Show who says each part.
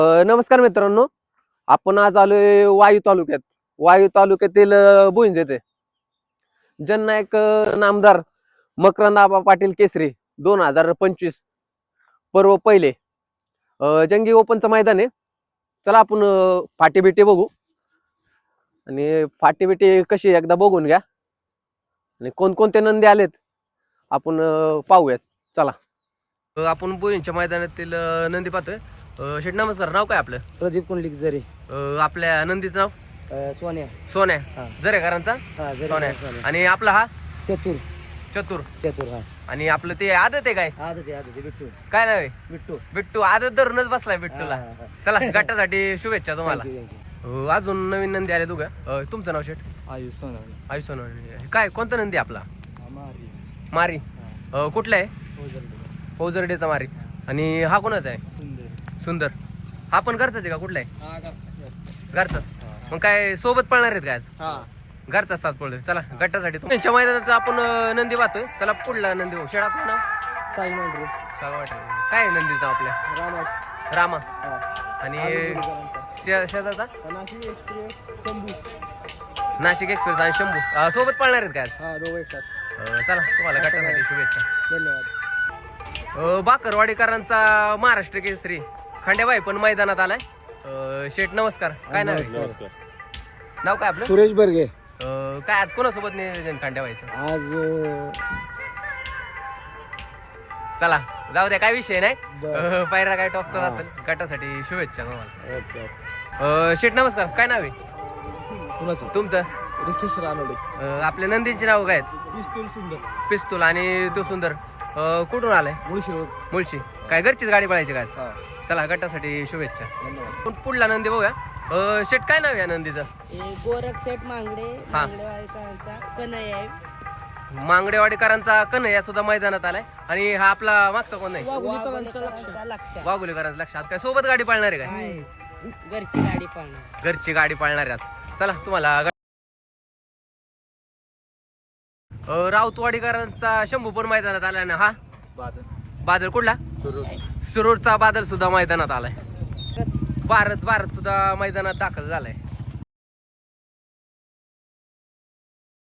Speaker 1: नमस्कार मित्रांनो, आपण आज आलोय वायू तालुक्यातील भुईंज येथे जननायक नामदार मकरंद आबा पाटील केसरी 2025 पर्व पहिले जंगी ओपनचं मैदान आहे. चला आपण फाटी बिटी बघू आणि फाटी बिटी कशी एकदा बघून घ्या आणि कोणकोणते नंदी आलेत आपण पाहूयात. चला आपण भुईंजच्या मैदानातील नंदी पाहतोय. शेठ नमस्कार, नाव काय आपलं?
Speaker 2: प्रदीप कुंडलिक जरे.
Speaker 1: आपल्या नंदीचं नाव
Speaker 2: सोन्या.
Speaker 1: सोन्या जरेकरांचा
Speaker 2: जरे
Speaker 1: सोन्या.
Speaker 2: सोन्या.
Speaker 1: आणि आपला हा
Speaker 2: चतुर
Speaker 1: चतुर.
Speaker 2: चतुर.
Speaker 1: आणि आपलं ते आदत आहे काय?
Speaker 2: आदत बिट्टू.
Speaker 1: काय नाव आहे?
Speaker 2: बिट्टू.
Speaker 1: बिट्टू. आदत धरूनच बसलाय बिट्टूला. चला गटासाठी शुभेच्छा तुम्हाला. अजून नवीन नंदी आले तुझ्या. तुमचं नाव शेठ?
Speaker 2: आयुष सोनावणे.
Speaker 1: आयुष सोनवणे. काय कोणता नंदी आपला? मारी. कुठला आहे? फौजरडेचा मारी. आणि हा कोणाचा आहे? सुंदर. हा पण घरचाच आहे का? कुठला आहे? घरचाच. मग काय सोबत पळणार आहेत काय आज? घरचा साथ पळतोय. चला गटासाठी तुमच्या मैदानात आपण नंदी पाहतोय. चला पुढला नंदी बघू. शेड आपलं नाव?
Speaker 2: साई मांडरे.
Speaker 1: काय आहे नंदीचं आपल्या? रामा. आणि शेजारचा? नाशिक एक्सप्रेस आणि शंभू सोबत पळणार आहेत काय आज? चला तुम्हाला गटासाठी शुभेच्छा.
Speaker 2: धन्यवाद.
Speaker 1: बाकरवाडीकरांचा महाराष्ट्र केसरी खंडेबाई पण मैदानात आलाय. शेठ नमस्कार, काय नाव आहे? नाव काय आपलं?
Speaker 2: सुरेश बर्गे.
Speaker 1: काय आज कोणासोबत नियोजन खंडेबाईचं?
Speaker 2: आज
Speaker 1: चला जाऊ द्या, काय विषय नाही. पायरा काय टॉपचा असेल. गटासाठी शुभेच्छा तुम्हाला. शेठ नमस्कार, काय नाव आहे तुमचं?
Speaker 2: रिकेश रानोडे.
Speaker 1: आपल्या नंदींची नाव काय आहेत?
Speaker 2: पिस्तूल सुंदर.
Speaker 1: पिस्तूल आणि तो सुंदर. कुठून आलाय? मुळशी. काय घरचीच गाडी पळायची काय? चला गटासाठी शुभेच्छा.
Speaker 2: धन्यवाद.
Speaker 1: पुढला नंदी बघूया. शेठ काय नाव आहे या नंदीचं?
Speaker 3: गोरख शेठ मांगडे.
Speaker 1: हा.
Speaker 3: कन्हैया आहे.
Speaker 1: मांगडेवाडीकरांचा कन्हैया सुद्धा मैदानात आलाय. आणि हा आपला मागचा कोण आहे?
Speaker 3: लक्ष.
Speaker 1: वाघुलेकरांचं लक्षात. काय सोबत गाडी पाळणार आहे काय?
Speaker 3: घरची गाडी पाळणार.
Speaker 1: घरची गाडी पाळणार आहे आज. चला तुम्हाला राऊतवाडीकरांचा शंभू पण मैदानात आलाय ना. हा बादल कुठला? सुरूरचा बादल सुद्धा मैदानात आलाय. भारत सुद्धा मैदानात दाखल झालाय.